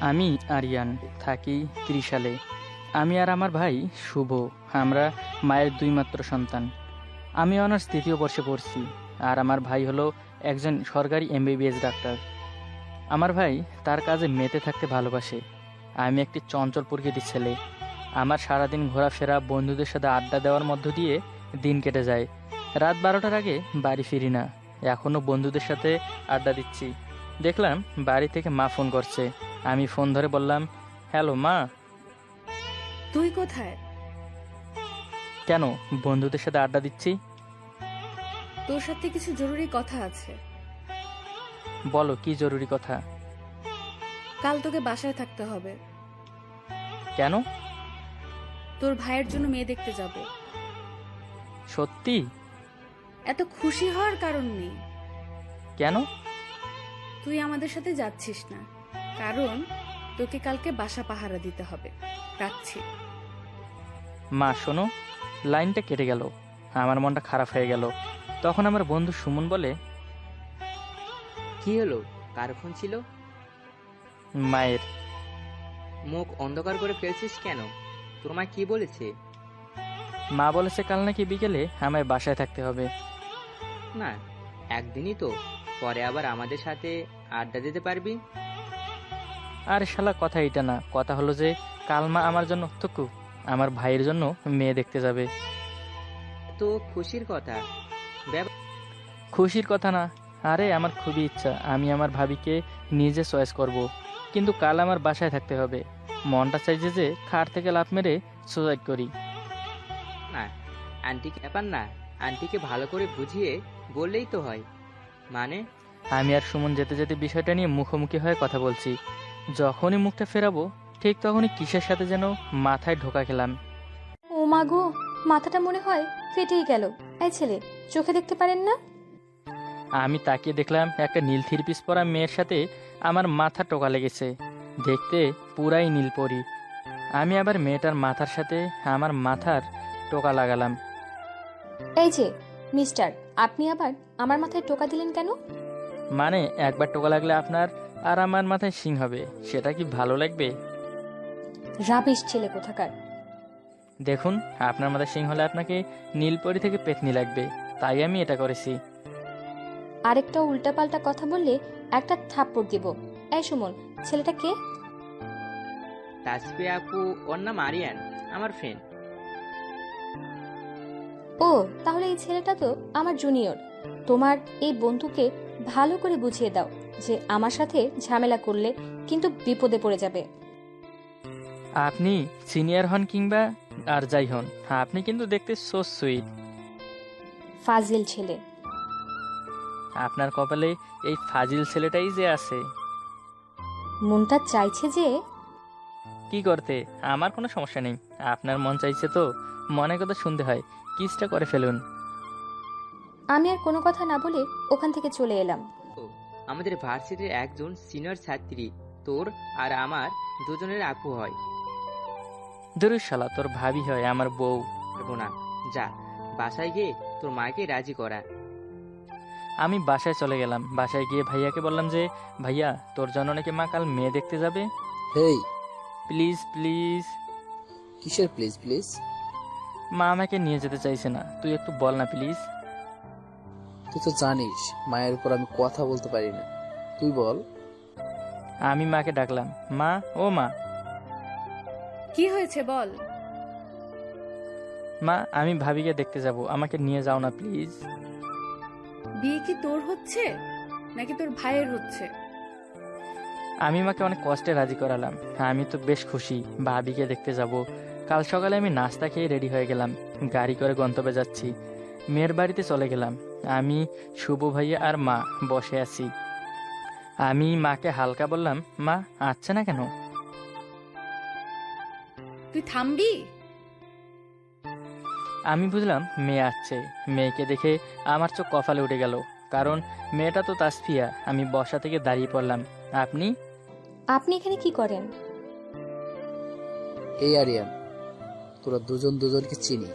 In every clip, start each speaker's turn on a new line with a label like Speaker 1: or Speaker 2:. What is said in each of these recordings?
Speaker 1: আমি আরিয়ান, থাকি ত্রিশালে। আমি আর আমার ভাই শুভ, আমরা মায়ের দুই মাত্র সন্তান। আমি অনার্স তৃতীয় বর্ষে পড়ছি, আর আমার ভাই হলো একজন সরকারি এমবিবিএস ডাক্তার। আমার ভাই তার কাজে মেতে থাকতে ভালোবাসে। আমি একটি চঞ্চল প্রকৃতির ছেলে। আমার সারাদিন ঘোরাফেরা, বন্ধুদের সাথে আড্ডা দেওয়ার মধ্য দিয়ে দিন কেটে যায়। রাত 12টার আগে বাড়ি ফিরি না। এখনও বন্ধুদের সাথে আড্ডা দিচ্ছি। দেখলাম বাড়ি থেকে মা ফোন করছে। আমি ফোন ধরে বললাম, হ্যালো মা।
Speaker 2: তুই কোথায়?
Speaker 1: কেন? বন্ধুদের সাথে আড্ডা দিচ্ছি।
Speaker 2: তোর সাথে কিছু জরুরি কথা আছে।
Speaker 1: বলো, কি জরুরি কথা?
Speaker 2: কাল তোকে বাসায় থাকতে হবে।
Speaker 1: কেন?
Speaker 2: তোর ভাইয়ের জন্য মেয়ে দেখতে যাব।
Speaker 1: সত্যি?
Speaker 2: এত খুশি হওয়ার কারণ নেই।
Speaker 1: কেন?
Speaker 2: তুই আমাদের সাথে যাচ্ছিস না, কারণ তোকে কালকে বাসা পাহারা দিতে হবে। রাখছি।
Speaker 1: মা শোনো, লাইনটা কেটে গেল। আমার মনটা খারাপ হয়ে গেল। তখন আমার বন্ধু সুমন বলে,
Speaker 3: কি হলো? কার ফোন ছিল?
Speaker 1: মায়ের।
Speaker 3: মুখ অন্ধকার করে ফেলছিস কেন? তোর মা কি বলেছে?
Speaker 1: মা বলেছে কাল নাকি বিকেলে আমায় বাসায় থাকতে হবে।
Speaker 3: না, একদিনই তো, পরে আবার আমাদের সাথে আড্ডা দিতে পারবি।
Speaker 1: আর শালা, কথা এটা না, কথা হলো যে কাল মা আমার জন্য থুকু আমার ভাইয়ের জন্য মেয়ে দেখতে যাবে।
Speaker 3: তো খুশির কথা।
Speaker 1: খুশির কথা না, আরে আমার খুবই ইচ্ছা আমি আমার ভাবিকে নিজে চয়েস করব। কিন্তু কাল আমার বাসায় থাকতে হবে। মনটা চাইছে যে খাট থেকে লাফ মেরে সুসাইড করি।
Speaker 3: না, আন্টিকে ব্যাপার না, আন্টিকে ভালো করে বুঝিয়ে বললেই তো হয়। মানে?
Speaker 1: আমি আর সুমন যেতে যেতে বিষয়টা নিয়ে মুখোমুখি হয়ে কথা বলছি। যখনই মুখটা ফেরাবো, ঠিক তখনই কিসের সাথে যেন মাথায় ঢোকা খেলাম।
Speaker 4: ও মা গো, মাথাটা মনে হয় ফেটেই গেল। এই ছেলে, চোখে দেখতে পারেন না?
Speaker 1: আমি তাকিয়ে দেখলাম একটা নীল থ্রি পিস পরা মেয়ের সাথে আমার মাথা টোকা লেগেছে। দেখতে পুরাই নীল পরি। আমি আবার মেয়েটার মাথার সাথে আমার মাথার টোকা লাগালাম।
Speaker 4: এই যে মিস্টার, আপনি আবার আমার মাথায় টোকা দিলেন কেন?
Speaker 1: মানে একবার টোকা লাগলে আপনার আর আমার মাথায় শিং হবে, সেটা কি ভালো লাগবে?
Speaker 4: রাবিশ ছেলে কোথাকার।
Speaker 1: দেখুন, আপনার মাথায় শিং হলে আপনাকে নীলপরি থেকে পেতনি লাগবে, তাই আমি এটা করেছি।
Speaker 4: আরেকটা উল্টাপাল্টা কথা বললে একটা থাপ্পড় দিব। এই সুমন, ছেলেটা কে?
Speaker 3: তাসফিয়া আপু, ওর নাম আরিয়ান, আমার ফ্রেন্ড।
Speaker 4: ও, তাহলে এই ছেলেটা তো আমার জুনিয়র। তোমার এই বন্ধুকে ভালো করে বুঝিয়ে দাও যে আমার সাথে ঝামেলা করলে কিন্তু বিপদে পড়ে যাবে।
Speaker 1: আপনি সিনিয়র হন কিংবা আর যাই হন, আপনি কিন্তু দেখতে সো সুইট।
Speaker 4: ফাজিল ছেলে।
Speaker 1: আপনার কপালে এই ফাজিল ছেলেটাই যে আছে।
Speaker 4: মনটা চাইছে যে
Speaker 1: কি করতে? আমার কোনো সমস্যা নেই। আপনার মন চাইছে তো, মনে কথা শুনতে হয়, কিসটা করে ফেলুন।
Speaker 4: আমি আর কোনো কথা না বলে ওখান থেকে চলে এলাম।
Speaker 3: ও, আমাদের ভার্সিটির একজন সিনিয়র ছাত্রী, তোর আর আমার দুজনের আপু হয়।
Speaker 1: শালা, তোর ভাবি হয় আমার বউ।
Speaker 3: পারবো না, যা বাসায় গিয়ে তোর মাকে রাজি করা।
Speaker 1: আমি বাসায় চলে গেলাম। বাসায় গিয়ে ভাইয়াকে বললাম যে, ভাইয়া, তোর জন্য নাকি মা কাল মেয়ে দেখতে যাবে।
Speaker 5: Hey,
Speaker 1: please please.
Speaker 5: কিসের প্লিজ প্লিজ?
Speaker 1: মা আমাকে নিয়ে যেতে চাইছে না, তুই একটু বল না প্লিজ।
Speaker 5: তুই তো জানিস মায়ের উপর আমি কথা বলতে পারি না, তুই বল।
Speaker 1: আমি মাকে ডাকলাম, মা, ও মা।
Speaker 2: কি হয়েছে বল।
Speaker 1: মা, আমি ভাবিকে দেখতে যাব, আমাকে নিয়ে যাও না প্লিজ।
Speaker 2: বিয়ে কি তোর হচ্ছে নাকি তোর ভাইয়ের হচ্ছে?
Speaker 1: আমি মাকে অনেক কষ্টে রাজি করালাম। আমি তো বেশ খুশি, ভাবিকে দেখতে যাব। কাল সকালে আমি নাস্তা খেয়ে রেডি হয়ে গেলাম। গাড়ি করে গন্তব্যে যাচ্ছি। মেয়ের বাড়িতে চলে গেলাম। আমি, শুভ ভাইয়া আর মা বসে আছি। আমি মাকে হালকা বললাম, মা আসছে না কেন?
Speaker 2: তুই থামবি?
Speaker 1: আমি বুঝলাম মেয়ে আসছে। মেয়েকে দেখে আমার চোখ কপালে উঠে গেল, কারণ মেয়েটা তো তাসফিয়া। আমি বসা থেকে দাঁড়িয়ে পড়লাম। আপনি
Speaker 4: আপনি এখানে কি করেন?
Speaker 5: এই আরিয়ান, তোরা দুজন দুজনকে চিনিস?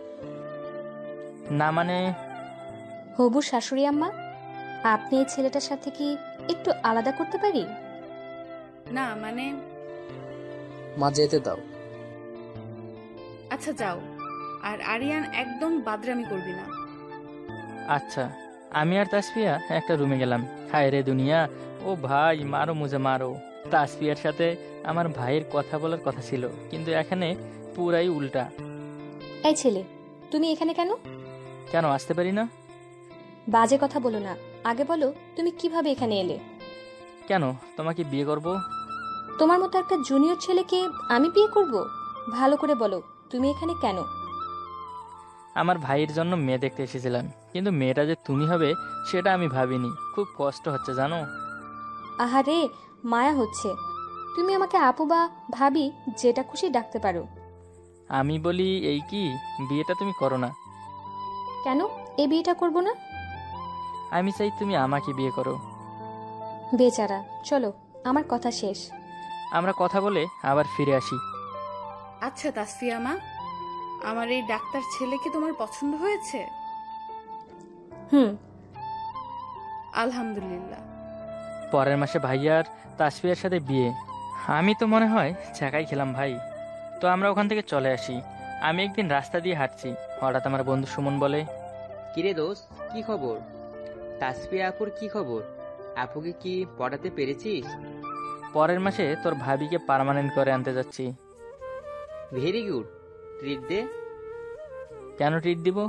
Speaker 1: না মানে?
Speaker 4: হবু শাশুড়ি আম্মা, আপনি এই ছেলেটার সাথে কি একটু আলাদা করতে পারি?
Speaker 2: না মানে,
Speaker 5: মা যেতে দাও।
Speaker 2: আচ্ছা যাও। আর আরিয়ান, একদম বাদরামি করবি না।
Speaker 1: আচ্ছা, আমি আর তাসফিয়া একটা রুমে গেলাম। হায় রে দুনিয়া, ও ভাই মারো মুঝে মারো। তাসফিয়ার সাথে আমার ভাইয়ের কথা বলার কথা ছিল, কিন্তু এখানে পুরাই উল্টা।
Speaker 4: এই ছেলে, তুমি এখানে কেন?
Speaker 1: কেন আসতে পারি না?
Speaker 4: বাজে কথা বলো না, আগে বলো তুমি কিভাবে এখানে এলে।
Speaker 1: কেন, তোমাকে বিয়ে করব?
Speaker 4: তোমার মতো একটা জুনিয়র ছেলেকে আমি বিয়ে করব? ভালো করে বলো, তুমি এখানে কেন?
Speaker 1: আমার ভাইয়ের জন্য মেয়ে দেখতে এসেছিলাম, কিন্তু মেয়েটা যে তুমি হবে সেটা আমি ভাবিনি। খুব কষ্ট হচ্ছে জানো।
Speaker 4: আহারে, মায়া হচ্ছে। তুমি আমাকে আপু বা ভাবি যেটা খুশি ডাকতে পারো।
Speaker 1: আমি বলি এই কি, বিয়েটা তুমি করো না।
Speaker 4: কেন এই বিয়েটা করব না?
Speaker 1: আমি চাই তুমি আমাকে বিয়ে করো।
Speaker 4: বেচারা, চলো আমার কথা শেষ।
Speaker 1: আমরা কথা বলে আবার ফিরে আসি।
Speaker 2: আচ্ছা তাসফিয়া মা, আমার এই ডাক্তার ছেলেকে তোমার পছন্দ হয়েছে?
Speaker 4: হুম।
Speaker 2: আলহামদুলিল্লাহ।
Speaker 1: পরের মাসে ভাইয়ার তাসফিয়ার সাথে বিয়ে। আমি তো মনে হয় ছ্যাঁকাই খেলাম ভাই। তো আমরা ওখান থেকে চলে আসি। আমি একদিন রাস্তা দিয়ে হাঁটছি, হঠাৎ আমার বন্ধু সুমন বলে,
Speaker 3: কিরে দোস্ত, কি খবর? তাসফিয়া আপুর কি খবর? আপুকে কি পড়াতে পেরেছিস?
Speaker 1: পরের মাসে তোর ভাবিকে পার্মানেন্ট করে আনতে যাচ্ছি।
Speaker 3: ভেরি গুড, ট্রিট দে।
Speaker 1: কেন ট্রিট দিব?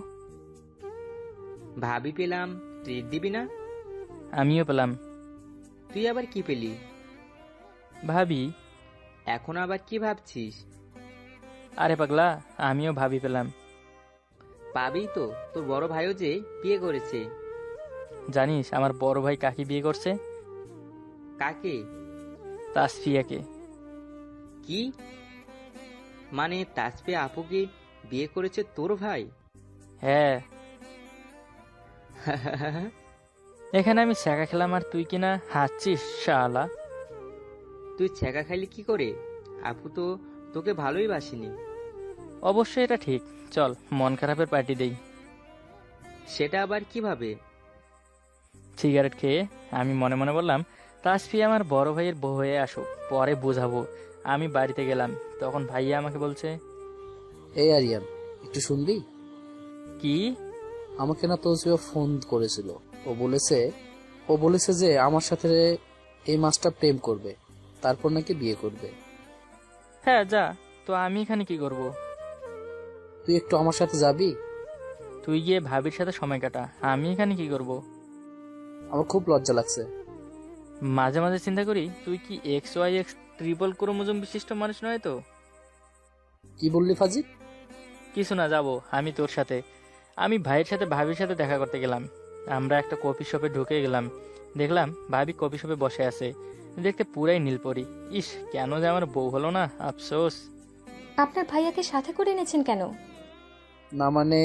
Speaker 3: ভাবি পেলাম, ট্রিট দিবি না?
Speaker 1: আমিও পেলাম।
Speaker 3: তুই আবার কি পেলি?
Speaker 1: ভাবি।
Speaker 3: এখন আবার কি ভাবছিস?
Speaker 1: আরে পাগলা, আমিও ভাবি পেলাম।
Speaker 3: পাবি তো, তোর বড় ভাইও যে বিয়ে করেছে।
Speaker 1: জানিস আমার বড় ভাই কাকে বিয়ে করছে?
Speaker 3: কাকে?
Speaker 1: তাসফিয়াকে।
Speaker 3: কি মানে, তাসফিয়া আপুকে বিয়ে করেছে তোর ভাই?
Speaker 1: হ্যাঁ। এখানে আমি ছ্যাঁকা খেলাম আর তুই কিনা হাসছিস শালা।
Speaker 3: তুই ছ্যাঁকা খাইলি কি করে? আপু তো তোকে ভালোই বাসিনি।
Speaker 1: অবশ্যই এটা ঠিক। চল মন খারাপের পার্টি দেই।
Speaker 3: সেটা আবার কিভাবে?
Speaker 1: সিগারেট খেয়ে আমি মনে মনে বললাম, তাসফিয়া আমার বড় ভাইয়ের বউ হয়ে আসুক, পরে বোঝাবো। আমি বাড়িতে গেলাম, তখন ভাইয়া আমাকে বলছে,
Speaker 5: এই আরিয়ান, একটু শুনবি?
Speaker 1: কি?
Speaker 5: আমাকে না তোজো ফোন করেছিল। ও বলেছে যে আমার সাথে এই মাসটা প্রেম করবে, তারপর নাকি বিয়ে করবে।
Speaker 1: হ্যাঁ যা, তো আমি এখানে কি করব?
Speaker 5: তুই একটু আমার সাথে যাবি?
Speaker 1: তুই গিয়ে ভাবির সাথে সময় কাটা, আমি এখানে কি করব?
Speaker 5: আমার খুব লজ্জা লাগছে।
Speaker 1: মাঝে মাঝে চিন্তা করি, তুই কি XYX ট্রিপল ক্রোমোজোম বিশিষ্ট মানুষ নয় তো?
Speaker 5: কি বললি ফাজিল?
Speaker 1: কিছু না, যাব আমি তোর সাথে। আমি ভাইয়ের সাথে ভাবির সাথে দেখা করতে গেলাম। আমরা একটা কফি শপে ঢুকে গেলাম, দেখলাম ভাবি কফি শপে বসে আছে, দেখতে পুরাই নীলপরি। ইস, কেন যে আমার বউ হলো না, আফসোস।
Speaker 4: আপনার ভাইয়াকে সাথে করে এনেছেন কেন?
Speaker 5: না মানে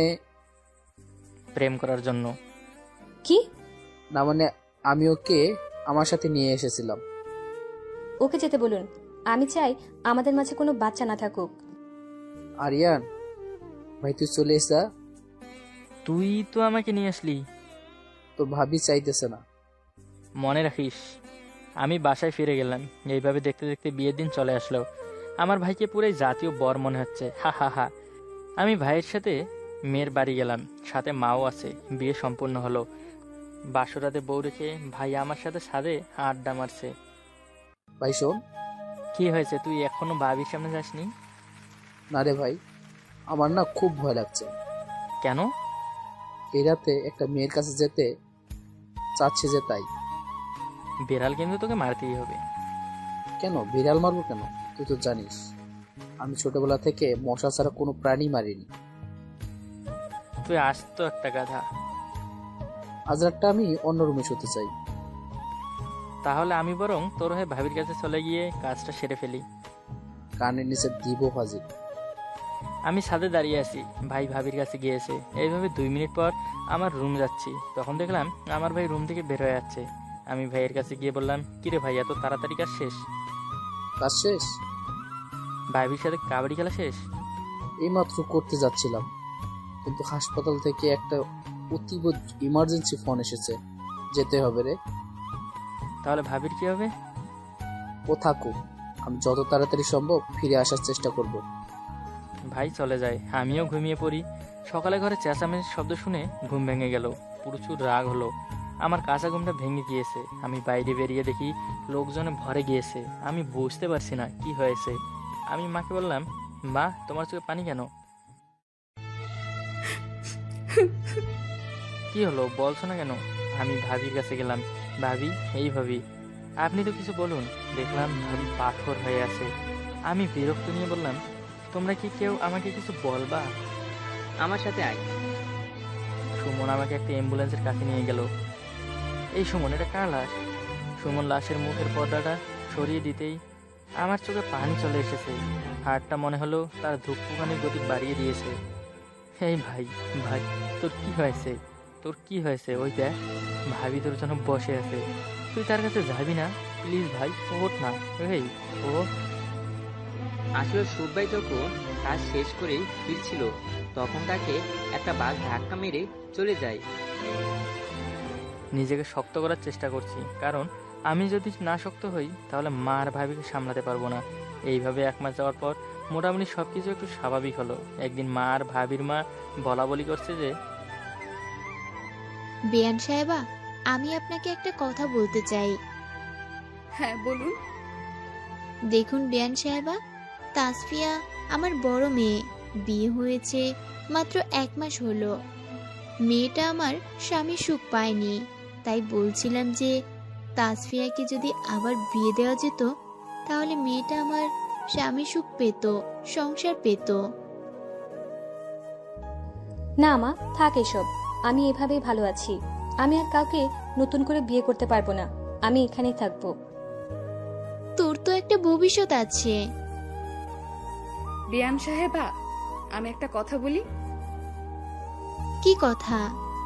Speaker 1: প্রেম করার জন্য।
Speaker 4: কি?
Speaker 5: না মানে আমি ওকে আমার সাথে নিয়ে এসেছিলাম।
Speaker 4: ওকে যেতে বলুন। আমি চাই আমাদের মাঝে কোনো বাচ্চা না থাকুক।
Speaker 5: আরিয়ান ভাই, তুই চলে এসা।
Speaker 1: তুই তো আমাকে নিয়ে আসলি।
Speaker 5: তোর ভাবি চাইতেছে না।
Speaker 1: মনে রাখিস। আমি বাসায় ফিরে গেলাম। এইভাবে দেখতে দেখতে বিয়ের দিন চলে আসলো। আমার ভাইকে পুরাই জাতীয় বর মনে হচ্ছে, হা হা হা। আমি ভাইয়ের সাথে মেয়ের বাড়ি গেলাম, সাথে মাও আছে। বিয়ে সম্পূর্ণ হলো। বাসরাতে বউ রেখে ভাই আমার সাথে ছাদে আড্ডা মারছে।
Speaker 5: ভাই শোন।
Speaker 1: কি হয়েছে, তুই এখনো ভাবির সামনে যাসনি?
Speaker 5: না রে ভাই, আমার না খুব ভয় লাগছে।
Speaker 1: কেন?
Speaker 5: এই রাতে একটা মেয়ের কাছে যেতে চাচ্ছে যে, তাই।
Speaker 1: বিড়াল কিন্তু তোকে মারতেই হবে।
Speaker 5: কেন বিড়াল মারবো কেন? তুই তো জানিস আমি ছোটবেলা থেকে মশা ছাড়া কোনো প্রাণী মারিনি।
Speaker 1: তুই আসতো একটা গাধা।
Speaker 5: আজ রাতটা আমি অন্য রুমে শুতে চাই।
Speaker 1: তাহলে আমি বরং তোর হয়ে ভাবির কাছে চলে গিয়ে কাজটা সেরে ফেলি।
Speaker 5: কানের নিচে দিব ফাজিল।
Speaker 1: আমি ছাদে দাঁড়িয়ে আছি, ভাই ভাবির কাছে গিয়েছে। এইভাবে 2 মিনিট পর আমার রুম যাচ্ছি, তখন দেখলাম আমার ভাই রুম থেকে বের হয়ে যাচ্ছে। আমি ভাইয়ের কাছে গিয়ে বললাম, কিরে ভাই, এত তাড়াতাড়ি কাজ শেষ?
Speaker 5: কাজ শেষ?
Speaker 1: ভাবির সাথে কাবাডি খেলা শেষ?
Speaker 5: এইমাত্র করতে যাচ্ছিলাম, কিন্তু হাসপাতাল থেকে একটা অতীব ইমার্জেন্সি ফোন এসেছে, যেতে হবে রে।
Speaker 1: তাহলে ভাবির কি হবে?
Speaker 5: ও থাকুক, আমি যত তাড়াতাড়ি সম্ভব ফিরে আসার চেষ্টা করব।
Speaker 1: ভাই চলে যায়, আমিও ঘুমিয়ে পড়ি। সকালে ঘরে চেঁচামেচির শব্দ শুনে ঘুম ভেঙে গেল। প্রচুর রাগ হলো, আমার কাঁচা ঘুমটা ভেঙে গিয়েছে। আমি বাইরে বেরিয়ে দেখি লোকজনে ভরে গিয়েছে। আমি বুঝতে পারছি না কি হয়েছে। আমি মাকে বললাম, মা তোমার চোখে পানি কেন? কি হলো বলছো না কেন? আমি ভাবির কাছে গেলাম। ভাবি, এই ভাবি, আপনি তো কিছু বলুন। দেখলাম ভাবি পাথর হয়ে আছে। আমি বিরক্ত নিয়ে বললাম, তোমরা কি কেউ আমাকে কিছু বলবা?
Speaker 3: আমার সাথে আয়।
Speaker 1: সুমন আমাকে একটা অ্যাম্বুলেন্সের কাছে নিয়ে গেল। এই সুমন, এটা কার লাশ? সুমন লাশের মুখের পর্দাটা সরিয়ে দিতেই আমার চোখে পানি চলে এসেছে। হাড়টা মনে হলো তার ধূপকানির গতি বাড়িয়ে দিয়েছে। এই ভাই, ভাই তোর কি হয়েছে? তোর কি হয়েছে? ওই দেখ, ভাবি তোর জন্য বসে আছে। তুই তার কাছে যাবি না? প্লিজ ভাই, ওঠ না। এই ও
Speaker 3: আসলে সুব্বাই যখন কাজ শেষ করে ফিরছিল, তখন তাকে একটা বাস ধাক্কা মেরে চলে যায়।
Speaker 1: নিজেকে শক্ত করার চেষ্টা করছি, কারণ আমি যদি না শক্ত হই তাহলে মা আর ভাবিকে সামলাতে পারবো না। এইভাবে 1 মাস যাওয়ার পর মোটামুটি সবকিছু একটু স্বাভাবিক হলো। একদিন মা আর ভাবির মা বলা বলি করছে যে,
Speaker 6: বেয়ান সাহেবা, আমি আপনাকে একটা কথা বলতে চাই।
Speaker 2: হ্যাঁ বলুন।
Speaker 6: দেখুন বেয়ান সাহেবা, তাসফিয়া আমার বড় মেয়ে, বিয়ে হয়েছে মাত্র 1 মাস হলো। মেয়েটা আমার স্বামী সুখ পায়নি, তাই বলছিলাম যে তাসফিয়াকে যদি আবার বিয়ে দেওয়া যেত, তাহলে মেয়েটা আমার স্বামী সুখ পেত, সংসার পেত।
Speaker 4: না মা, থাক এসব। আমি এভাবেই ভালো আছি। আমি আর কাউকে নতুন করে বিয়ে করতে পারবো না। আমি এখানেই থাকবো।
Speaker 6: তোর তো একটা ভবিষ্যৎ আছে।
Speaker 2: বিয়ান সাহেবা, আমি একটা কথা বলি।
Speaker 6: কি কথা?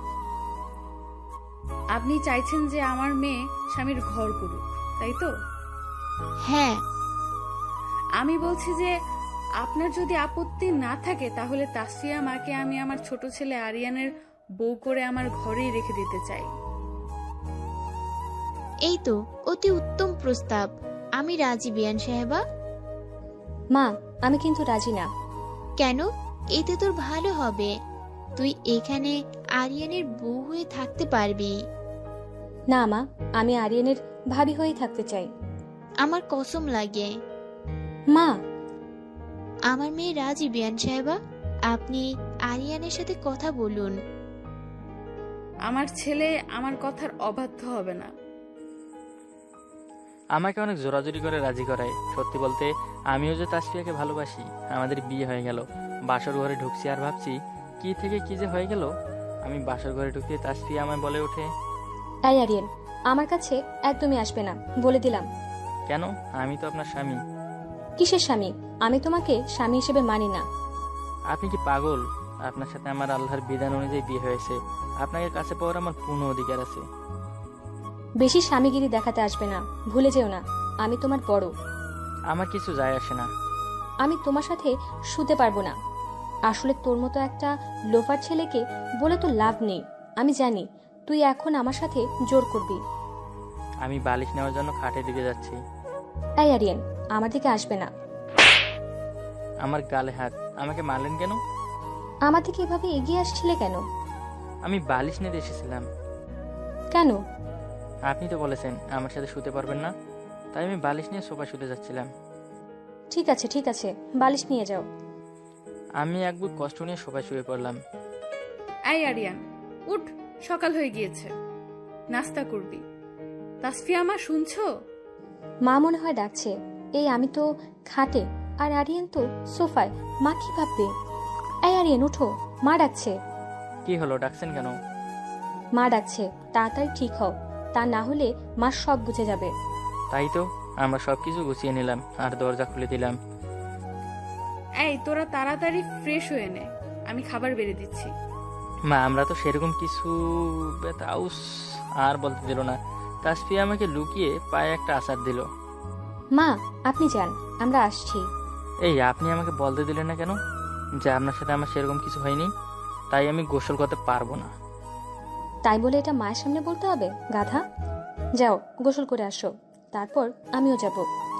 Speaker 2: আপনি চাইছেন যে আমার মেয়ে স্বামীর ঘর করুক, তাই তো?
Speaker 6: হ্যাঁ।
Speaker 2: আমি বলছি যে আপনার যদি আপত্তি না থাকে তাহলে তাসফিয়া মাকে আমি আমার ছোট ছেলে আরিয়ানের বউ করে আমার ঘরেই রেখে দিতে চাই।
Speaker 6: এই তো অতি উত্তম প্রস্তাব। আমি রাজি বেয়ান সাহেবা।
Speaker 4: মা, আমি কিন্তু রাজি না।
Speaker 6: কেন? এতে তোর ভালো হবে। তুই এখানে আরিয়ানের বউ হয়ে থাকতে পারবি।
Speaker 4: না মা, আমি আরিয়ানের ভাবি হয়েই থাকতে চাই।
Speaker 6: আমার কসম লাগে।
Speaker 4: মা,
Speaker 6: আমার মেয়ে রাজি বেয়ান সাহেবা। আপনি আরিয়ানের সাথে কথা বলুন।
Speaker 2: আমার ছেলে আমার কথার অবাধ্য হবে না।
Speaker 1: আমাকে অনেক জোরাজুরি করে রাজি করায়। সত্যি বলতে আমিও যে তাসফিয়াকে ভালোবাসি। আমাদের বিয়ে হয়ে গেল। বাসর ঘরে ঢুকছি আর ভাবছি কি থেকে কি যে হয়ে গেল। আমি বাসর ঘরে ঢুকতে তাসফিয়া আমায় বলে ওঠে,
Speaker 4: এই আরিয়ান, আমার কাছে একদমই আসবে না, বলে দিলাম।
Speaker 1: কেন? আমি তো আপনার স্বামী।
Speaker 4: কিসের স্বামী? আমি তোমাকে স্বামী হিসেবে মানি না।
Speaker 1: আপনি কি পাগল? আপনার সাথে আমার আল্লাহর বিধান অনুযায়ী বিয়ে হয়েছে। আপনাকে কাছে পাওয়ার আমার পূর্ণ অধিকার আছে।
Speaker 4: বেশি স্বামীগিরি দেখাতে আসবে না, ভুলে যেও না আমি তোমার বড়।
Speaker 1: আমার কিছু যায় আসে না।
Speaker 4: আমি তোমার সাথে শুতে পারবো না। আসলে তোর মতো একটা লোফার ছেলেকে বলে তো লাভ নেই। আমি জানি তুই এখন আমার সাথে জোর করবি।
Speaker 1: আমি বালিশ নেওয়ার জন্য খাটের দিকে যাচ্ছি।
Speaker 4: এই আরিয়ান, আমার দিকে আসবে না।
Speaker 1: আমার গালে হাত। আমাকে মারলেন কেন?
Speaker 4: আমার দিকে এভাবে এগিয়ে আসছিলে কেন?
Speaker 1: আমি বালিশ নিতে এসেছিলাম।
Speaker 4: কেন?
Speaker 1: আপনি তো বলেছেন আমার সাথে শুতে পারবেন না, তাই আমি বালিশ নিয়ে সোফায় শুতে যাচ্ছিলাম।
Speaker 4: ঠিক আছে ঠিক আছে, বালিশ নিয়ে যাও।
Speaker 1: আমি এক বুক কষ্ট নিয়ে সোফায় শুয়ে পড়লাম।
Speaker 2: এই আরিয়ান, উঠ, সকাল হয়ে গিয়েছে, নাস্তা করবি। তাসফিয়া মা, শুনছো?
Speaker 4: মা মনে হয় ডাকছে। এই আমি তো খাটে আর আরিয়ান তো সোফায়। মা কি ভাববে? এই আরিয়ান উঠো, মা ডাকছে।
Speaker 1: কি হলো, ডাকছেন কেন?
Speaker 4: মা ডাকছে, তাড়াতাড়ি ঠিক হও, তা না হলে মা সব বুঝে যাবে।
Speaker 1: তাই তো, আমরা সবকিছু গুছিয়ে নিলাম আর দরজা খুলে দিলাম।
Speaker 2: এই তোরা তাড়াতাড়ি ফ্রেশ হয়ে নে, আমি খাবার বেড়ে দিচ্ছি।
Speaker 1: মা, আমরা তো সেরকম কিছু বেতাউস আর বলতে দিল না। তাসফিয়া আমাকে লুকিয়ে পায়ে একটা আচার দিল।
Speaker 4: মা আপনি যান, আমরা আসছি।
Speaker 1: এই আপনি আমাকে বলতে দিলেন না কেন যে আপনার সাথে আমার সেরকম কিছু হয়নি? তাই আমি গোসল করতে পারবো না।
Speaker 4: তাই বলে এটা মায়ের সামনে বলতে হবে, গাধা? যাও গোসল করে আসো, তারপর আমিও যাব।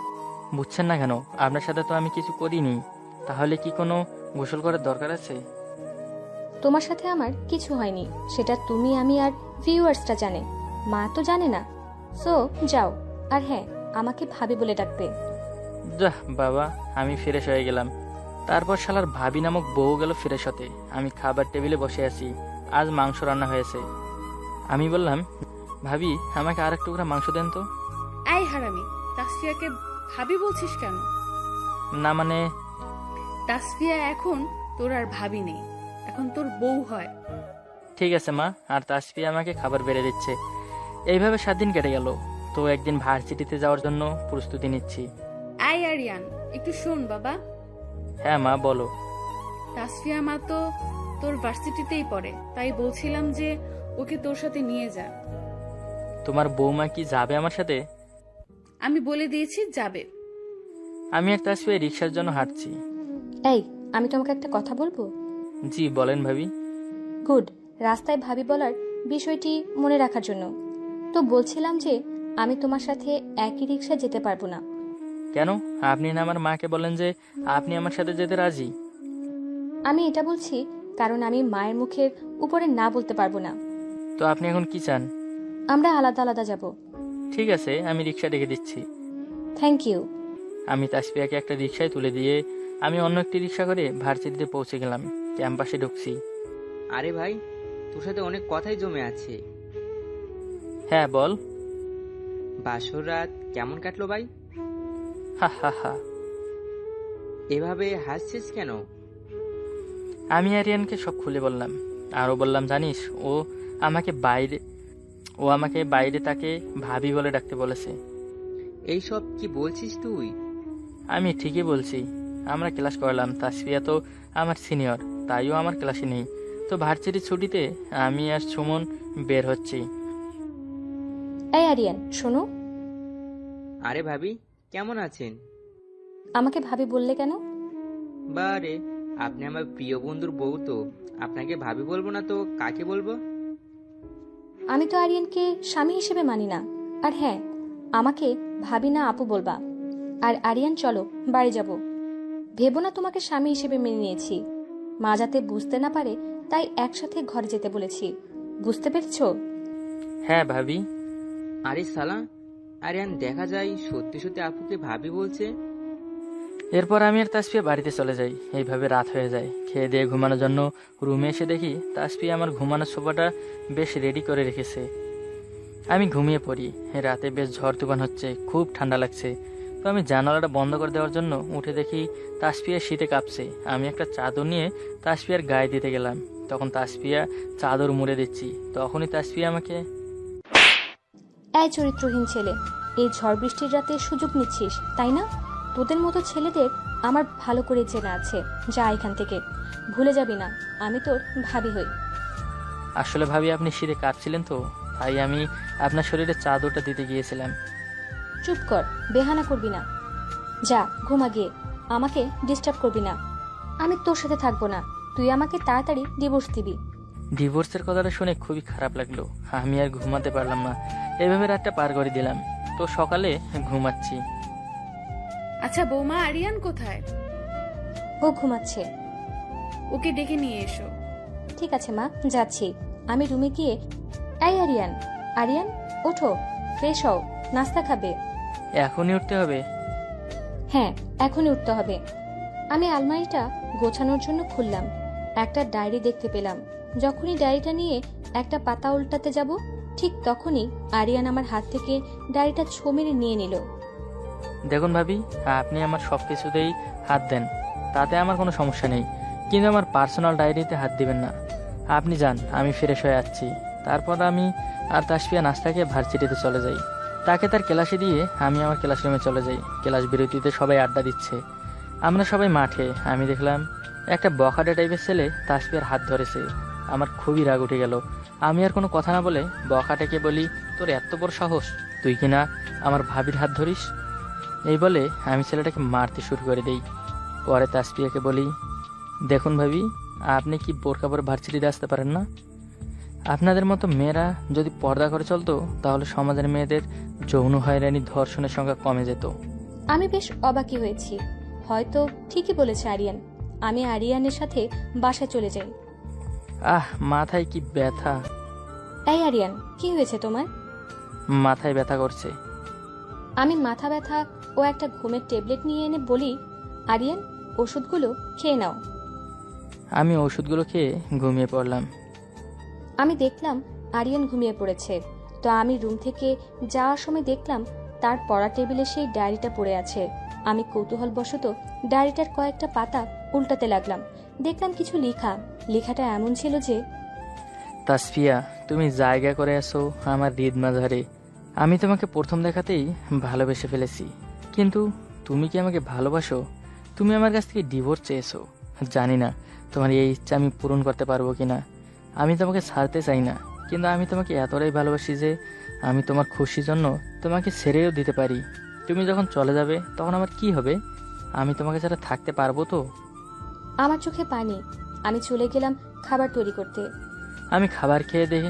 Speaker 1: বুঝছেন না কেন? আপনার সাথে তো আমি কিছু করিনি। তাহলে কি কোনো গোসল করার দরকার আছে?
Speaker 4: তোমার সাথে আমার কিছু হয়নি, সেটা তুমি, আমি আর ভিউয়ার্সরা জানে, মা তো জানে না। সো যাও, আর হ্যাঁ, আমাকে ভাবি বলে ডাকবে।
Speaker 1: যাহ বাবা, আমি ফ্রেশ হয়ে গেলাম। তারপর শালার ভাবি নামক বউ গেল ফ্রেশ হতে। আমি খাবার টেবিলে বসে আছি। আজ মাংস রান্না হয়েছে। আমি বললাম, ভাবি আমাকে আর এক টুকরা মাংস দেন তো।
Speaker 2: এই হারামি, তাসফিয়াকে ভাবি বলছিস কেন?
Speaker 1: না মানে,
Speaker 2: তাসফিয়া এখন তোর আর ভাবি নেই, এখন তোর বউ হয়।
Speaker 1: ঠিক আছে মা। আর তাসফিয়া আমাকে খাবার বেড়ে দিচ্ছে। এইভাবে 7 দিন কেটে গেল। তো একদিন ভার্সিটিতে যাওয়ার জন্য প্রস্তুতি নিচ্ছি।
Speaker 2: এই আরিয়ান, একটু শোন বাবা।
Speaker 1: হ্যাঁ মা, বলো।
Speaker 2: তাসফিয়া মা তো তোর ভার্সিটিতেই পড়ে, তাই বলছিলাম যে ওকে তোর সাথে নিয়ে যা।
Speaker 1: তোমার বৌমা কি যাবে আমার সাথে?
Speaker 2: আমি বলে দিয়েছি যাবে।
Speaker 1: আমি আর তাসফিয়া রিক্সার জন্য হাঁটছি।
Speaker 4: এই, আমি তোমাকে একটা কথা বলবো?
Speaker 1: জি বলেন ভাবি।
Speaker 4: গুড, রাস্তায় ভাবি বলার বিষয়টি মনে রাখার জন্য। তো বলছিলাম যে আমি তোমার সাথে একই রিক্সা যেতে পারবো না।
Speaker 1: কেন? আপনি না আমার মাকে বলেন যে আপনি আমার সাথে যেতে রাজি।
Speaker 4: আমি এটা বলছি কারণ আমি মায়ের মুখের উপরে না বলতে পারবো না।
Speaker 1: তো আপনি এখন কি চান?
Speaker 4: আমরা আলাদা আলাদা যাব।
Speaker 1: ঠিক আছে, আমি রিক্সা ডেকে দিচ্ছি।
Speaker 4: Thank you.
Speaker 1: আমি তাসফিয়াকে একটা রিক্সায় তুলে দিয়ে আমি অন্য একটি রিক্সা করে ভার্সিটিতে পৌঁছে গেলাম। ক্যাম্পাসে ঢুকছি।
Speaker 3: আরে ভাই, তোর সাথে অনেক কথাই জমে আছে।
Speaker 1: হ্যাঁ বল।
Speaker 3: বাসর রাত কেমন কাটলো ভাই?
Speaker 1: হা হা হা।
Speaker 3: এভাবে হাসছিস কেন?
Speaker 1: আমি আরিয়ানকে সব খুলে বললাম। আরও বললাম, জানিস ও আমাকে বাইরে তাকে ভাবি বলে ডাকতে বলেছে।
Speaker 3: এইসব কি বলছিস তুই?
Speaker 1: আমি ঠিকই বলছি। আমরা ক্লাস করলাম। তাসফিয়া তো আমার সিনিয়র, তাইও আমার ক্লাসে নেই। তো ভার্সিটির ছুটিতে আমি আর সুমন বের হচ্ছি।
Speaker 4: এই আরিয়ান, শোনো।
Speaker 3: আরে ভাবি, কেমন আছেন?
Speaker 4: আমাকে ভাবি বললে কেন?
Speaker 3: বারে, আপনি আমার প্রিয় বন্ধুর বউ, তো আপনাকে ভাবি বলবো না তো কাকে বলবো?
Speaker 4: আমি তো আরিয়ানকে স্বামী হিসেবে মানি না। আর হ্যাঁ, আমাকে ভাবি না আপু বলবা। আর আরিয়ান, চলো বাড়ি যাব। ভেবো না তোমাকে স্বামী হিসেবে মেনে নিয়েছি। মা যাতে বুঝতে না পারে তাই একসাথে ঘরে যেতে বলেছি। বুঝতে পেরেছো?
Speaker 1: হ্যাঁ ভাবি।
Speaker 3: আরে সালা, আরিয়ান দেখা যায় সত্যি সত্যি আপুকে ভাবি বলছে।
Speaker 1: এরপর আমি আর তাসফিয়া বাড়িতে চলে যাই। এইভাবে রাত হয়ে যায়। খেয়ে দিয়ে ঘুমানোর জন্য রুমে এসে দেখি তাসফিয়া আমার ঘুমানোর সোফাটা বেশ রেডি করে রেখেছে। আমি ঘুমিয়ে পড়ি। রাতে বেশ ঝড় তুফান হচ্ছে, খুব ঠান্ডা লাগছে। তো আমি জানালাটা বন্ধ করে দেওয়ার জন্য উঠে দেখি তাসফিয়া শীতে কাঁপছে। আমি একটা চাদর নিয়ে তাসফিয়ার গায়ে দিতে গেলাম। তখন তাসফিয়া চাদর মুড়ে দিচ্ছি। তখনই তাসফিয়া আমাকে,
Speaker 4: এই চরিত্রহীন ছেলে, এই ঝড় বৃষ্টির রাতে সুযোগ নিচ্ছিস তাই না? তোদের মতো ছেলেদের আমার ভালো করে চেনা আছে। যা এখান থেকে, ভুলে যাবি না আমি তোর ভাবি হই।
Speaker 1: আসলে ভাবি আপনি শীতে কাঁপছিলেন তো, তাই আমি আপনার শরীরে চাদরটা দিতে গিয়েছিলাম।
Speaker 4: চুপ কর, বেহানা করবি না। যা ঘুমা গিয়ে, আমাকে ডিস্টার্ব করবি না। আমি তোর সাথে থাকবো না। তুই আমাকে তাড়াতাড়ি ডিভোর্স দিবি।
Speaker 1: ডিভোর্সের কথাটা শুনে খুবই খারাপ লাগলো। আমি আর ঘুমাতে পারলাম না। এভাবে রাতটা পার করে দিলাম। তো সকালে ঘুমাচ্ছি।
Speaker 2: আচ্ছা বৌমা, আরিয়ান কোথায়?
Speaker 4: ও ঘুমাচ্ছে।
Speaker 2: ওকে ডেকে নিয়ে এসো।
Speaker 4: ঠিক আছে মা, যাচ্ছি। আমি রুমে গিয়ে, এই আরিয়ান, আরিয়ান ওঠো, ফ্রেশ হও, নাস্তা খাবে।
Speaker 1: এখনই উঠতে হবে?
Speaker 4: হ্যাঁ, এখনই উঠতে হবে। আমি আলমারিটা গোছানোর জন্য খুললাম। একটা ডায়েরি দেখতে পেলাম। যখনই ডায়েরিটা নিয়ে একটা পাতা উল্টাতে যাব, ঠিক তখনই আরিয়ান আমার হাত থেকে ডায়েরিটা ছো মেরে নিয়ে নিল।
Speaker 1: দেখুন ভাবি, আপনি আমার সব কিছুতেই হাত দেন, তাতে আমার কোনো সমস্যা নেই, কিন্তু আমার পার্সোনাল ডায়েরিতে হাত দিবেন না। আপনি যান, আমি ফ্রেশ হয়ে যাচ্ছি। তারপর আমি আর তাসফিয়া নাস্তা খেয়ে ভার্সিটিতে চলে যাই। তাকে তার ক্লাসে দিয়ে আমি আমার ক্লাসরুমে চলে যাই। ক্লাস বিরতিতে সবাই আড্ডা দিচ্ছে। আমরা সবাই মাঠে। আমি দেখলাম একটা বখাটে টাইপের ছেলে তাসফিয়ার হাত ধরেছে। আমার খুবই রাগ উঠে গেল। আমি আর কোনো কথা না বলে বখাটেকে বলি, তোর এত বড় সাহস, তুই কিনা আমার ভাবির হাত ধরিস? এই বলে আমি ছেলেটাকে মারতে শুরু করে দেই। পরে তাসফিয়াকে বলি, দেখুন ভাবি, আপনি কি বোরকা পরে ভার্সিটিতে আসতে পারেন না? আপনাদের মতো মেয়েরা যদি পর্দা করে চলতো তাহলে সমাজের মেয়েদের যৌন হয়রানি, ধর্ষণের সংখ্যা কমে যেত।
Speaker 4: আমি বেশ অবাকই হয়েছি। হয়তো ঠিকই বলেছে আরিয়ান। আমি আরিয়ানের সাথে বাসায় চলে যাই।
Speaker 1: মাথায় কি ব্যথা!
Speaker 4: এই আরিয়ান, কি হয়েছে তোমার?
Speaker 1: মাথায় ব্যথা করছে।
Speaker 4: আমি মাথা ব্যথা ও একটা ঘুমের ট্যাবলেট নিয়ে এনে বলি, আরিয়ান ওষুধগুলো খেয়ে নাও।
Speaker 1: আমি ওষুধগুলো খেয়ে ঘুমিয়ে পড়লাম।
Speaker 4: আমি দেখলাম আরিয়ান ঘুমিয়ে পড়েছে, তো আমি রুম থেকে যাওয়ার সময় দেখলাম তার পড়া টেবিলে সেই ডায়েরিটা পড়ে আছে। আমি কৌতূহলবশত ডায়েরিটার কয়েকটা পাতা উল্টাতে লাগলাম। দেখলাম কিছু লেখাটা এমন ছিল যে,
Speaker 1: তাসফিয়া, তুমি জায়গা করে আসো আমার হৃদ মাঝারে। আমি তোমাকে প্রথম দেখাতেই ভালোবেসে ফেলেছি, কিন্তু তুমি কি আমাকে ভালোবাসো? তুমি আমার কাছ থেকে ডিভোর্স চেয়েছো। জানি না তোমার এই ইচ্ছা আমি পূরণ করতে পারবো কিনা। আমি তোমাকে ছাড়তে চাই না, কিন্তু আমি তোমাকে এতটাই ভালোবাসি যে আমি তোমার খুশির জন্য তোমাকে ছেড়েও দিতে পারি। তুমি যখন চলে যাবে তখন আমার কি হবে? আমি তোমাকে ছাড়া থাকতে পারবো তো?
Speaker 4: আমার চোখে পানি। আমি চলে গেলাম খাবার তৈরি করতে।
Speaker 1: আমি খাবার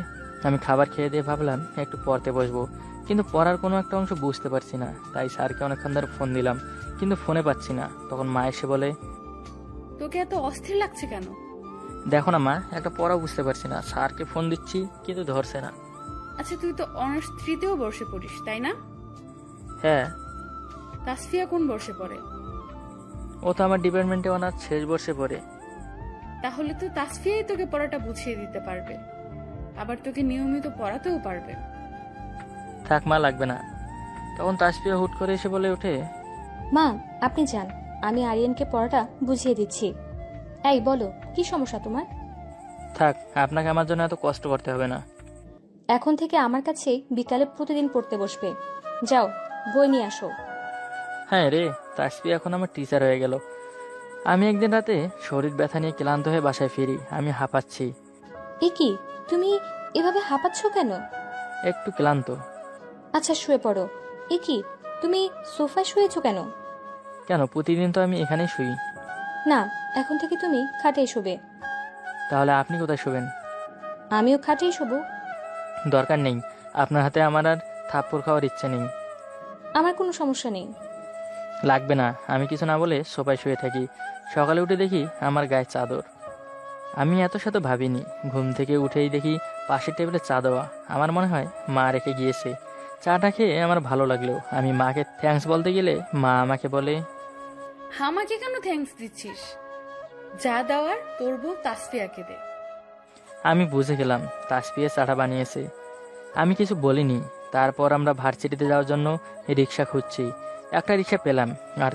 Speaker 1: খেয়ে দিয়ে ভাবলাম একটু পড়তে বসবো, কিন্তু পড়ার কোনো একটা অংশ বুঝতে পারছি না। তাই স্যারকে অনেকক্ষণ ধরে ফোন দিলাম, কিন্তু ফোনে পাচ্ছি না। তখন মা এসে বলে,
Speaker 2: তোকে এত অস্থির লাগছে কেন?
Speaker 1: দেখো না মা, একটা পড়া বুঝতে পারছি না। স্যারকে ফোন দিচ্ছি কিন্তু ধরছে না।
Speaker 2: আচ্ছা, তুই তো অনার্স 3-তেও বর্ষে পড়িস, তাই না?
Speaker 1: হ্যাঁ।
Speaker 2: তাসফিয়া কোন বর্ষে পড়ে?
Speaker 1: ও তো আমার ডিপার্টমেন্টে অনার্স শেষ বর্ষে পড়ে।
Speaker 2: তাহলে তো তাসফিয়াই তোকে পড়াটা বুঝিয়ে দিতে পারবে, আবার তোকে নিয়মিত পড়াতেও পারবে।
Speaker 1: থাক মা, লাগবে না। তখন তাসফিয়া হুট করে এসে বলে ওঠে,
Speaker 4: মা, আপনি যান, আমি আরিয়ানকে পড়াটা বুঝিয়ে দিচ্ছি। এই বলো, কি সমস্যা তোমার?
Speaker 1: থাক, আপনাকে আমার জন্য এত কষ্ট করতে হবে না।
Speaker 4: এখন থেকে আমার কাছে বিকালে প্রতিদিন পড়তে বসবে। যাও, বই নিয়ে আসো।
Speaker 1: হ্যাঁ রে, তাসফিয়া এখন আমার টিচার হয়ে গেল। আমি একদিন রাতে শরীর ব্যথা নিয়ে ক্লান্ত হয়ে বাসায় ফিরি। আমি হাঁপাচ্ছি।
Speaker 4: এ কি, তুমি এভাবে হাঁপাচ্ছ কেন?
Speaker 1: একটু ক্লান্ত।
Speaker 4: আচ্ছা, শুয়ে পড়ো। এ কি, তুমি সোফায় শুয়েছো কেন?
Speaker 1: কেন, প্রতিদিন তো আমি এখানেই শুই।
Speaker 4: না, এখন থেকে তুমি খাটেই শুবে।
Speaker 1: তাহলে আপনি কোথায় শুবেন?
Speaker 4: আমিও খাটেই শুবো।
Speaker 1: দরকার নেই, আপনার হাতে আমার আর থাপ্পড় খাওয়ার ইচ্ছে নেই।
Speaker 4: আমার কোনো সমস্যা নেই।
Speaker 1: লাগবে না। আমি কিছু না বলে সোফায় শুয়ে থাকি। সকালে উঠে দেখি আমার গায়ে চাদর। আমি এত শত ভাবিনি। ঘুম থেকে উঠেই দেখি পাশের টেবিলে চা দেওয়া। আমার মনে হয় মা রেখে গিয়েছে। চাটা খেয়ে আমার ভালো লাগলো। আমি মাকে থ্যাঙ্কস বলতে গেলে মা আমাকে বলে,
Speaker 2: আমাকে কেন থ্যাঙ্কস দিচ্ছিস? যা দেওয়ার তোর বউ তাসফিয়াকে দে।
Speaker 1: আমি বুঝে গেলাম তাসফিয়া চাটা বানিয়েছে। আমি কিছু বলিনি। তারপর আমরা ভার্সিটিতে যাওয়ার জন্য রিক্সা খুঁজছি। একটা রিক্সা পেলাম।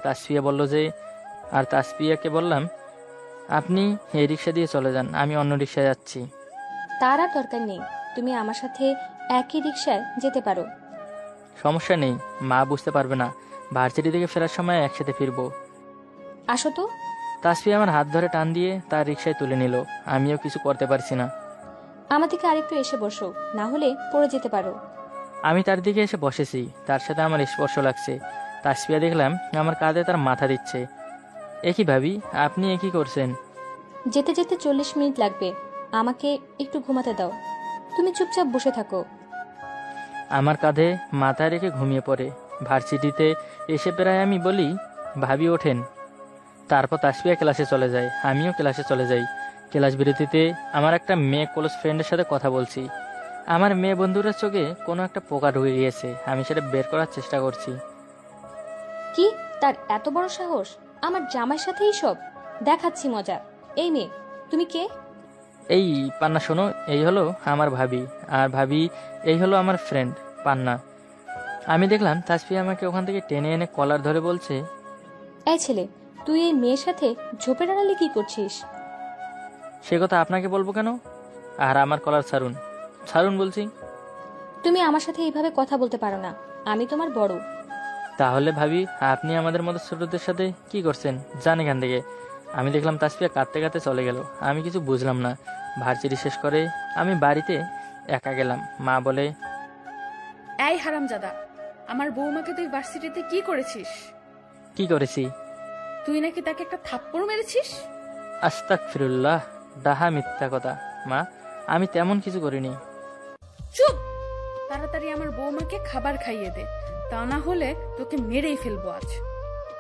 Speaker 1: আর তাসফিয়াকে বললাম, আপনি এই রিক্সা দিয়ে চলে যান, আমি অন্য রিক্সায় যাচ্ছি।
Speaker 4: তার আর দরকার নেই, তুমি আমার সাথে একই রিক্সায় যেতে পারো।
Speaker 1: সমস্যা নেই, মা বুঝতে পারবে না। ভার্সিটি থেকে ফেরার সময় একসাথে ফিরবো।
Speaker 4: আসো তো।
Speaker 1: তাসফিয়া আমার হাত ধরে টান দিয়ে তার রিক্সায় তুলে নিল। আমিও কিছু করতে পারছি না।
Speaker 4: আমার দিকে আরেকটু এসে বসো, না হলে পড়ে যেতে পারো।
Speaker 1: আমি তার দিকে এসে বসেছি। তার সাথে আমার স্পর্শ লাগছে। তাসফিয়া দেখলাম আমার কাঁধে তার মাথা দিচ্ছে। একই ভাবি, আপনি একই করছেন?
Speaker 4: যেতে যেতে 40 মিনিট লাগবে, আমাকে একটু ঘুমাতে দাও। তুমি চুপচাপ বসে থাকো।
Speaker 1: আমার কাঁধে মাথা রেখে ঘুমিয়ে পড়ে। ভার্সিটিতে এসে প্রায় আমি বলি, ভাবি ওঠেন। তারপর তাসফিয়া ক্লাসে চলে যায়, আমিও ক্লাসে চলে যাই। ক্লাস বিরতিতে আমার একটা মেয়ে ক্লোজ ফ্রেন্ডের সাথে কথা বলছি। আমার মেয়ে বন্ধুরা চোখে কোনো একটা পোকা ঢুকে গিয়েছে। আমি সেটা বের করার চেষ্টা করছি।
Speaker 4: কি, তার এত বড় সাহস? আমার জামাইয়ের সাথেই সব দেখাচ্ছি মজা। এই মেয়ে, তুমি কে?
Speaker 1: এই পান্না, শোনো, এই হলো আমার ভাবি, আর ভাবি এই হলো আমার ফ্রেন্ড পান্না। আমি দেখলাম তাসফিয়া আমাকে ওখান থেকে টেনে এনে কলার ধরে বলছে,
Speaker 4: এই ছেলে, তুই এই মেয়ের সাথে ঝোপের আড়ালে কি করছিস?
Speaker 1: সে কথা আপনাকে বলবো কেন? আর আমার কলার ছাড়ুন, ছাড়ুন বলছি।
Speaker 4: তুমি আমার সাথে এইভাবে কথা বলতে পারো না, আমি তোমার বড়।
Speaker 1: তাহলে ভাবি, আপনি আমাদের মতো ছোটদের সাথে কি করছেন? যান এখান থেকে। আমি দেখলাম তাসফিয়া কাঁদতে কাঁদতে চলে গেল। আমি কিছু বুঝলাম না। ভার্সিটি শেষ করে আমি বাড়িতে একা গেলাম। মা বলে,
Speaker 2: এই হারামজাদা, আমার বৌমাকে তুই ভার্সিটিতে কি করেছিস?
Speaker 1: কি করেছি?
Speaker 2: তুই নাকি তাকে একটা থাপ্পড় মেরেছিস।
Speaker 1: আস্তাগফিরুল্লাহ, ডাহা মিথ্যা কথা। মা, আমি তেমন কিছু করিনি।
Speaker 2: চুপ! তাড়াতাড়ি আমার বৌমাকে খাবার খাইয়ে দে, তা না হলে তোকে মেরেই ফেলবো আজ।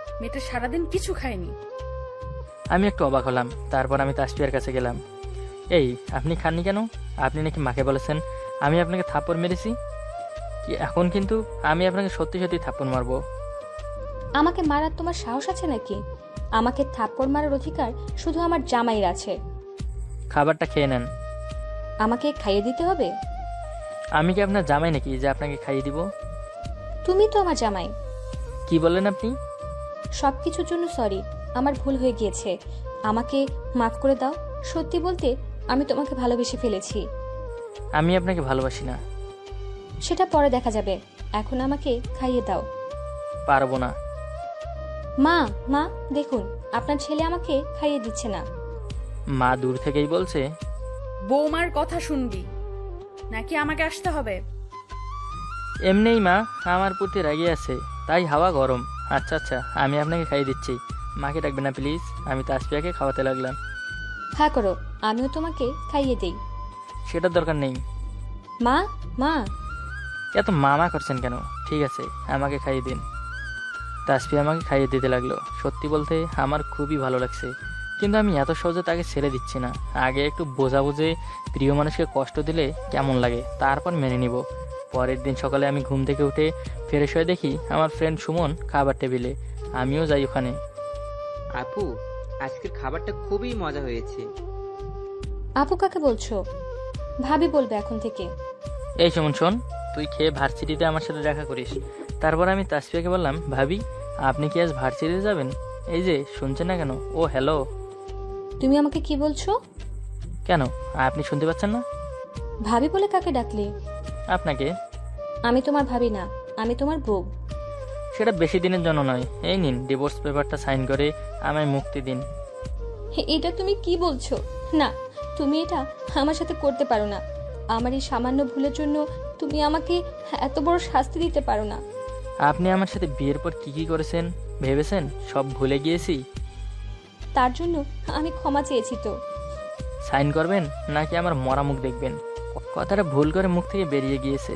Speaker 2: মেয়েটা সারাদিন কিছু খায়নি।
Speaker 1: আমি একটু অবাক হলাম। তারপর আমি তাসফিয়ার কাছে গেলাম। এই, আপনি খাননি কেন? আপনি নাকি মাকে বলেছেন আমি আপনাকে থাপ্পড় মেরেছি। এখন কিন্তু আমি আপনাকে সত্যি সত্যি থাপ্পড় মারবো।
Speaker 4: আমাকে মারার তোমার সাহস আছে নাকি? আমাকে থাপ্পড় মারার অধিকার শুধু আমার জামাইয়ের আছে।
Speaker 1: খাবারটা খেয়ে নেন।
Speaker 4: আমাকে খাইয়ে দিতে হবে?
Speaker 1: আমি কি আপনার জামাই নাকি যে আপনাকে খাইয়ে দিব?
Speaker 4: তুমি তো আমার জামাই।
Speaker 1: কি বললেন আপনি?
Speaker 4: সবকিছুর জন্য সরি, আমার ভুল হয়ে গিয়েছে। আমাকে মাফ করে দাও। সত্যি বলতে আমি তোমাকে ভালোবেসে ফেলেছি।
Speaker 1: আমি আপনাকে ভালোবাসি না।
Speaker 4: সেটা পরে দেখা যাবে, এখন আমাকে খাইয়ে দাও।
Speaker 1: পারবো না।
Speaker 4: মা, মা দেখুন, আপনার ছেলে আমাকে খাইয়ে দিচ্ছে না।
Speaker 1: মা দূর থেকেই বলছে,
Speaker 2: বৌমার কথা শুনবি নাকি আমাকে আসতে হবে?
Speaker 1: এমনিই মা আমার প্রতি রাগি আছে, তাই হাওয়া গরম। আচ্ছা আচ্ছা, আমি আপনাকে খাইয়ে দিচ্ছি। মাকে ডাকবেন না প্লিজ। আমি তাসফিয়াকে খাওয়াতে লাগলাম।
Speaker 4: হ্যাঁ করো, আমিও তোমাকে খাইয়ে দেই।
Speaker 1: সেটার দরকার নেই।
Speaker 4: মা, মা।
Speaker 1: এত মামা করছেন কেন? ঠিক আছে, আমাকে খাইয়ে দিন। তাসফিয়া আমাকে খাইয়ে দিতে লাগলো। সত্যি বলতে আমার খুবই ভালো লাগছে, কিন্তু আমি এত সহজে তাকে ছেড়ে দিচ্ছি না। আগে একটু বোঝা বুঝে প্রিয় মানুষকে কষ্ট দিলে কেমন লাগে, তারপর মেনে নিব। পরের দিন সকালে আমি ঘুম থেকে উঠে ফ্রেশ হয়ে দেখি আমার ফ্রেন্ড সুমন খাবার টেবিলে। আমিও যাই ওখানে।
Speaker 3: আপু, আজকের খাবারটা খুবই মজা হয়েছে।
Speaker 4: আপু কাকে বলছো? ভাবি বলবে এখন থেকে।
Speaker 1: এই সুমন শোন, তুই খেয়ে ভার্সিটিতে আমার সাথে দেখা করিস। তারপর আমি তাসফিয়াকে বললাম, ভাবি আপনি কি আজ ভার্সিটিতে যাবেন? এই যে শুনছেন না কেন? ও হ্যালো।
Speaker 4: তুমি আমাকে কি বলছো?
Speaker 1: কেন, আপনি শুনতে পাচ্ছেন না?
Speaker 4: ভাবি বলে কাকে ডাকলে?
Speaker 1: আপনাকে।
Speaker 4: আমি তোমার ভাবি না, আমি তোমার বউ।
Speaker 1: সেটা বেশি দিনের জন্য নয়। এই নিন ডিভোর্স পেপারটা সাইন করে আমায় মুক্তি দিন।
Speaker 4: এটা তুমি কি বলছো? না, তুমি এটা আমার সাথে করতে পারো না। আমার এই সামান্য ভুলের জন্য তুমি আমাকে এত বড় শাস্তি দিতে পারো না।
Speaker 1: আপনি আমার সাথে বিয়ের পর কি কি করেছেন ভেবেছেন সব ভুলে গিয়েছি?
Speaker 4: তার জন্য আমি ক্ষমা চেয়েছি তো।
Speaker 1: সাইন করবেন নাকি আমার মরা মুখ দেখবেন? কথাটা ভুল করে মুখ থেকে বেরিয়ে গিয়েছে।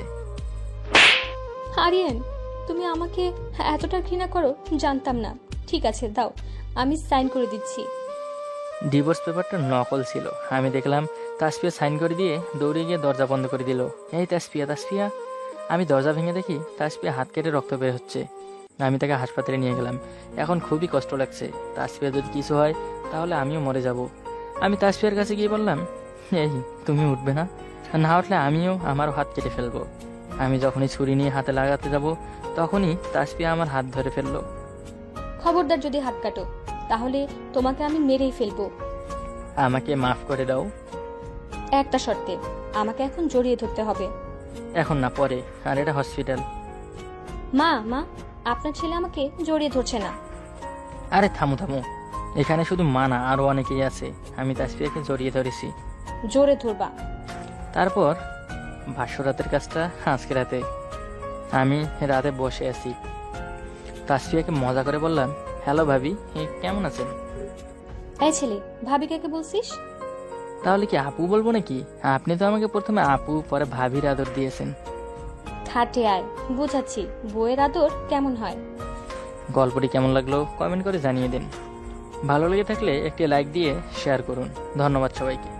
Speaker 4: আরিয়ান, তুমি আমাকে এতটা ঘৃণা করো জানতাম না। ঠিক আছে দাও, আমি সাইন করে দিচ্ছি।
Speaker 1: ডিভোর্স পেপারটা নকল ছিল। আমি দেখলাম তাসফিয়া সাইন করে দিয়ে দৌড়ে গিয়ে দরজা বন্ধ করে দিল। এই তাসফিয়া, তাসফিয়া। আমি দরজা ভেঙে দেখি তাসফিয়া হাত কেটে রক্ত বের হচ্ছে। আমি তাকে হাসপাতালে নিয়ে গেলাম। এখন খুবই কষ্ট লাগছে। তাসফিয়া যদি কিছু হয় তাহলে আমিও মরে যাব। আমি তাসফিয়ার কাছে গিয়ে বললাম, এই তুমি উঠবে না? না উঠলে আমিও আমারও হাত কেটে ফেলবো। আমি যখনই ছুরি নিয়ে হাতে লাগাতে যাব তখনই তাসফিয়া আমার হাত ধরে ফেললো।
Speaker 4: খবরদার যদি হাত কাটো তাহলে তোমাকে আমি মেরেই ফেলবো।
Speaker 1: আমাকে মাফ করে দাও।
Speaker 4: একটা শর্তে, আমাকে এখন জড়িয়ে ধরতে হবে।
Speaker 1: এখন না, পরে। আর এটা হসপিটাল।
Speaker 4: মা, মা, আপনার ছেলে আমাকে জড়িয়ে ধরছে না।
Speaker 1: আরে থামো থামো, এখানে শুধু মা না আরো অনেকেই আছে। আমি তাসফিয়াকে জড়িয়ে ধরেছি।
Speaker 4: জোরে ধরবা।
Speaker 1: তারপর ভাষ্যরাতের কাজটা আজকে রাতে। আমি রাতে বসে আছি। তাসফিয়াকে মজা করে বললাম, হ্যালো ভাবি, কেমন আছেন?
Speaker 4: এই ছেলে, ভাবি কাকে বলছিস?
Speaker 1: তাহলে কি আপু বলবো নাকি? আপনি তো আমাকে প্রথমে আপু পরে ভাবির আদর দিয়েছেন।
Speaker 4: খাটে আয়, বুঝাচ্ছি বউয়ের আদর কেমন হয়।
Speaker 1: গল্পটি কেমন লাগলো কমেন্ট করে জানিয়ে দিন। ভালো লেগে থাকলে একটি লাইক দিয়ে শেয়ার করুন। ধন্যবাদ সবাইকে।